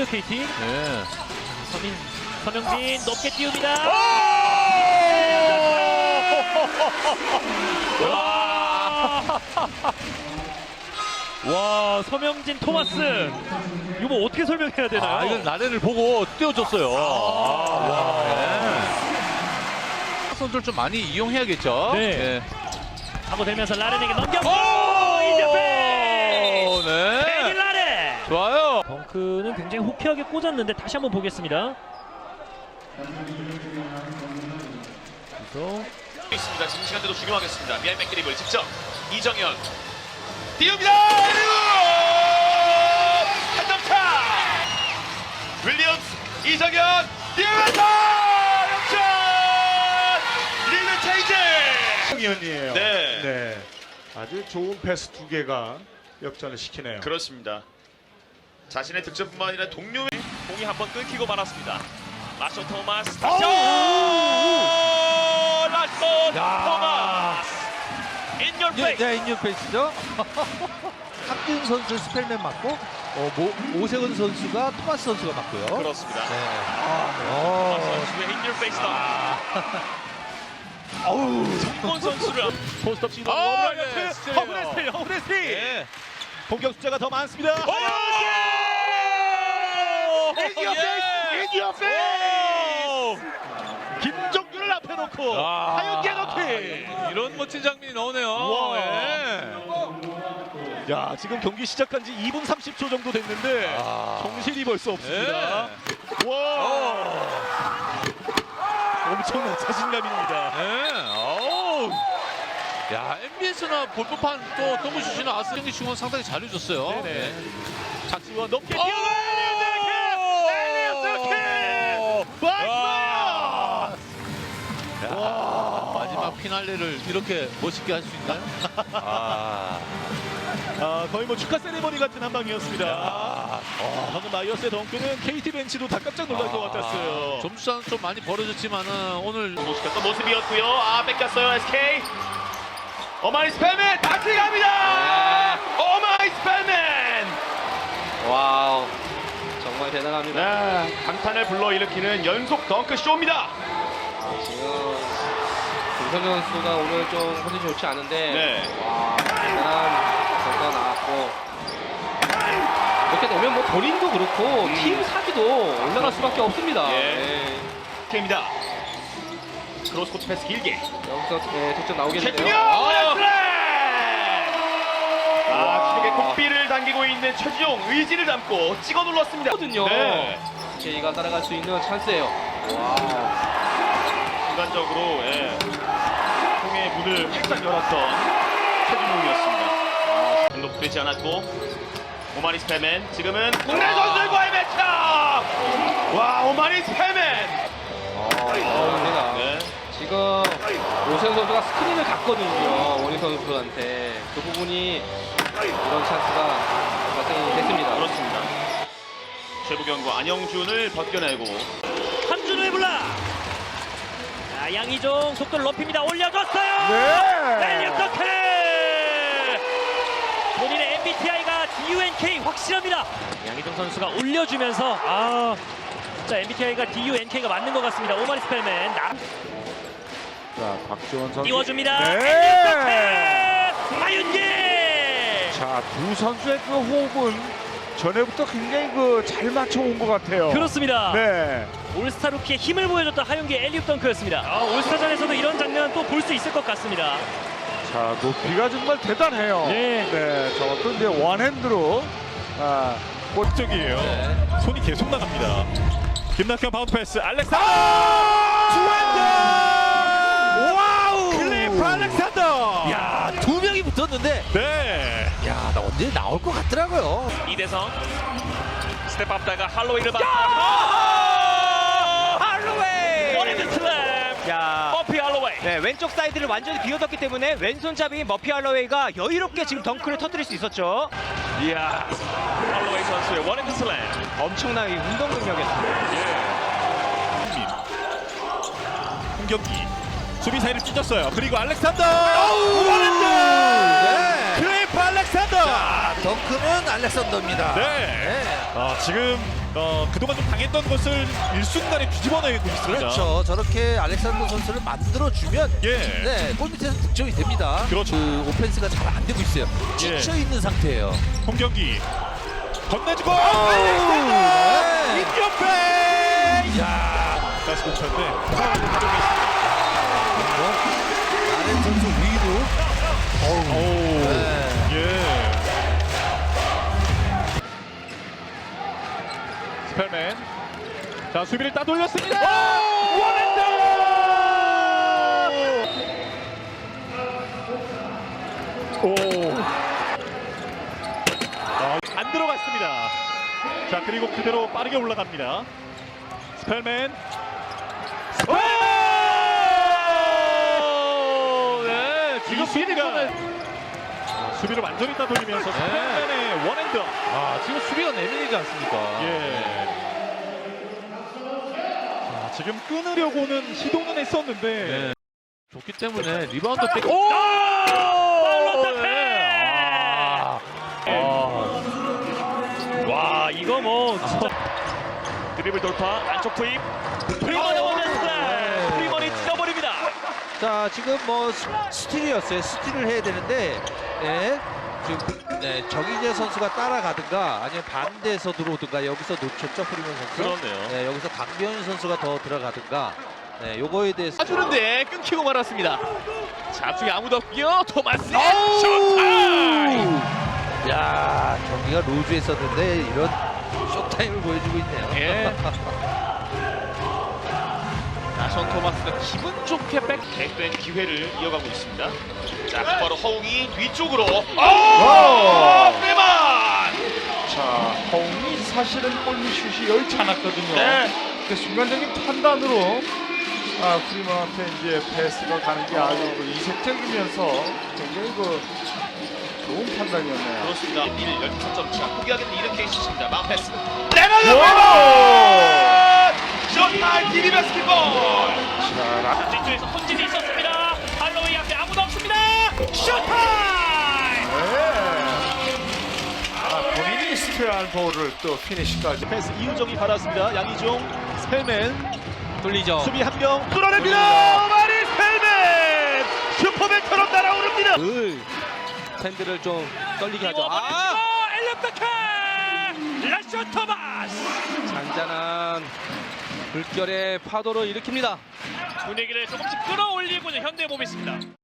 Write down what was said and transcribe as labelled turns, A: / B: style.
A: 좋은데요, KT.
B: 네.
A: 서명진 높게 띄웁니다. 와, 서명진 토마스. 이거 뭐 어떻게 설명해야 되나요?
B: 이건 라렌을 보고 띄워줬어요. 선수를 좀 많이 이용해야겠죠.
A: 네. 하고 들면서 라렌에게 넘겼고
B: 오!
A: 인터페이스.
B: 네.
A: 데니 라렌.
B: 좋아요.
A: 덩크는 굉장히 호쾌하게 꽂았는데 다시 한번 보겠습니다. 그래서
C: 있습니다. 지금 시간대도 중요하겠습니다. 미안 맥드립을 직접 이정현 띄웁니다. 한점차 윌리엄스 이정현 띄우면서 역전 리드 체인지.
D: 이현이에요.
C: 네.
D: 네. 아주 좋은 패스 두 개가 역전을 시키네요.
C: 그렇습니다. 자신의 득점뿐만 아니라 동료의 공이 한번 끊기고 말았습니다. 라쇼 토마스 다시 라쇼 토마스 In your face.
E: 네, 인유페이스죠. 함준 선수 스펠맨 맞고 오세훈 선수가 토마스 선수가 맞고요.
C: 그렇습니다.
E: 네.
C: 선수의 In your face다. 정권 선수를 포스트업 시도 허브레스티 공격 숫자가 더 많습니다. 김종규를 앞에 놓고 하윤기에 넣기.
B: 이런 멋진 장면이 나오네요.
C: 야, 지금 경기 시작한 지 2분 30초 정도 됐는데 정신이 벌써 없습니다. 와, 엄청난 자신감입니다.
B: 야, MBS나 볼법한 또 동부슛이나 아스경기 중원 상당히 잘해줬어요.
C: 네네. 박지원 높게
B: 오! 마지막 피날레를 이렇게 멋있게 할 수 있나요?
C: 거의 뭐 축하 세레머니 같은 한 방이었습니다. 방금 마이어스의 덩크는 KT 벤치도 다 깜짝 놀랄 것 같았어요.
B: 점수차는 좀 많이 벌어졌지만은 오늘
C: 모습했던 모습이었고요. 뺏겼어요 SK. 오마이 스펠맨 다시 갑니다. 오마이 스펠맨.
F: 와우, 정말 대단합니다.
C: 네, 감탄을 불러일으키는 연속 덩크 쇼입니다.
F: 지금 김선현 선수가 오늘 좀 컨디션이 좋지 않은데
C: 네.
F: 와, 대단한 선수가 나왔고 이렇게 되면 뭐 본인도 그렇고 팀 사기도 올라갈 수밖에 없습니다.
C: 예. K입니다. 크로스코트 패스 길게.
F: 여기서 득점 나오겠는데요.
C: 최준용! 크게 코피를 당기고 있는 최준용 의지를 담고 찍어 눌렀습니다.
F: 거든요.
C: 네.
F: K가 따라갈 수 있는 찬스예요.
C: 순간적으로 통의 문을 활짝 열었던 최준용이었습니다. 등록되지 않았고 오마니 스펠맨 지금은 국내 선수들과의 매치! 와, 오마니 스펠맨!
F: 네. 지금 오세훈 선수가 스크린을 갔거든요. 원희 선수한테 그 부분이 이런 찬스가 발생이 됐습니다.
C: 그렇습니다. 최부경과 안영준을 벗겨내고
A: 함준우의 블락. 자, 양희종 속도를 높입니다. 올려줬어요. 엘리엇 덩크. 본인의 MBTI가 DUNK 확실합니다. 양희종 선수가 올려주면서 진짜 MBTI가 DUNK가 맞는 것 같습니다. 오마리 스펠맨
D: 자, 박지원 선수.
A: 띄워줍니다.
D: 네.
A: 하윤기.
D: 자, 두 선수의 그 호흡은 전에부터 굉장히 잘 맞춰온 것 같아요.
A: 그렇습니다.
D: 네.
A: 올스타 루키의 힘을 보여줬던 하윤기의 엘리웁 덩크였습니다. 올스타전에서도 이런 장면 또 볼 수 있을 것 같습니다.
D: 자, 높이가 정말 대단해요.
A: 네.
D: 네. 저것도 이제 원핸드로
C: 골적이에요. 손이 계속 나갑니다. 김낙현 바운드 패스 알렉산더!
E: 와우!
C: 클리프 알렉산더!
E: 야, 두 명이 붙었는데
C: 네.
E: 야, 나 언제 나올 것 같더라고요.
C: 이대성 스텝업다가 할로웨이를 받고
A: 할로웨이!
C: 원핸드 슬램! 머피 할로웨이!
G: 네, 왼쪽 사이드를 완전히 비워뒀기 때문에 왼손잡이인 머피 할로웨이가 여유롭게 지금 덩크를 터뜨릴 수 있었죠.
C: 이야, 할로웨이 선수의 원핸드 슬램.
G: 엄청나게 운동 능력이었습니다.
C: 공격기 수비 사이를 찢었어요. 그리고 알렉산더!
E: 원핸드! 네.
C: 클리프 알렉산더!
E: 자, 덩크는 알렉산더입니다.
C: 네. 지금 그동안 좀 당했던 것을 일순간에 뒤집어내고 있습니다.
E: 그렇죠. 저렇게 알렉산더 선수를 만들어주면
C: 예.
E: 네, 골 밑에서 득점이 됩니다.
C: 그렇죠.
E: 그 오펜스가 잘 안 되고 있어요. 지쳐 있는 상태예요.
C: 홍경기 건네주고
E: 네.
C: 임경배 야 다시 공쳤는데
E: 아렌 선수 위로. 네.
C: 예. 스펠맨 자 수비를 따돌렸습니다. 원핸드 안 들어갔습니다. 자 그리고 그대로 빠르게 올라갑니다. 스펠맨 네, 지금 수비를 완전히 따돌리면서 스펠맨의 원핸드.
B: 지금 수비가 내밀리지 않습니까?
C: 예. 자, 지금 끊으려고는 시도는 했었는데
B: 네. 좋기 때문에 리바운드 뺏.
A: 와 이거 뭐 진짜 드리블 돌파 안쪽 투입 프리먼의 원맨 슬램 프리먼이 찢어버립니다.
E: 자 지금 뭐 스틸이었어요. 스틸을 해야 되는데 네, 지금 네, 정희재 선수가 따라가든가 아니면 반대에서 들어오든가 여기서 놓쳤죠 프리먼 선수.
A: 그렇네요.
E: 네, 여기서 강변 선수가 더 들어가든가. 네, 요거에 대해서
B: 주는데 끊기고 말았습니다. 자, 앞쪽에 아무도 없고요. 토마스 쇼타임.
E: 야 경기가 로즈에 있었는데 이런 쇼타임을 보여주고 있네요.
B: 예. 나션 토마스가 기분 좋게 백된 기회를 이어가고 있습니다. 자, 바로 허웅이 뒤쪽으로. 빼만.
D: 자, 허웅이 사실은 골밑슛이 여의치 않았거든요.
B: 네.
D: 그 순간적인 판단으로 프리먼한테 이제 패스가 가는 게 아주 이색적이면서 굉장히 좋은 판단이었네요.
B: 그렇습니다. 1 13점 차. 포기하겠는 이런 케이스입니다. 마운 패스. 쇼타임 TV 바스켓볼.
D: 자,
A: 뒤쪽에서 혼진이 있었습니다. 할로웨이 앞에 아무도 없습니다. 쇼타임!
D: 본인이 스테한 볼을 또 피니시까지.
C: 패스 이우정이 받았습니다. 양희종 스펠맨
G: 돌리죠.
C: 수비 한 명 뚫어냅니다. 마리 스펠맨 슈퍼맨처럼 날아오릅니다.
G: 팬들을 좀 떨리게 하죠.
A: 엘렌베케 라쇼 토마스
G: 잔잔한 물결의 파도를 일으킵니다.
A: 분위기를 조금씩 끌어올리고 있는 현대모비스입니다.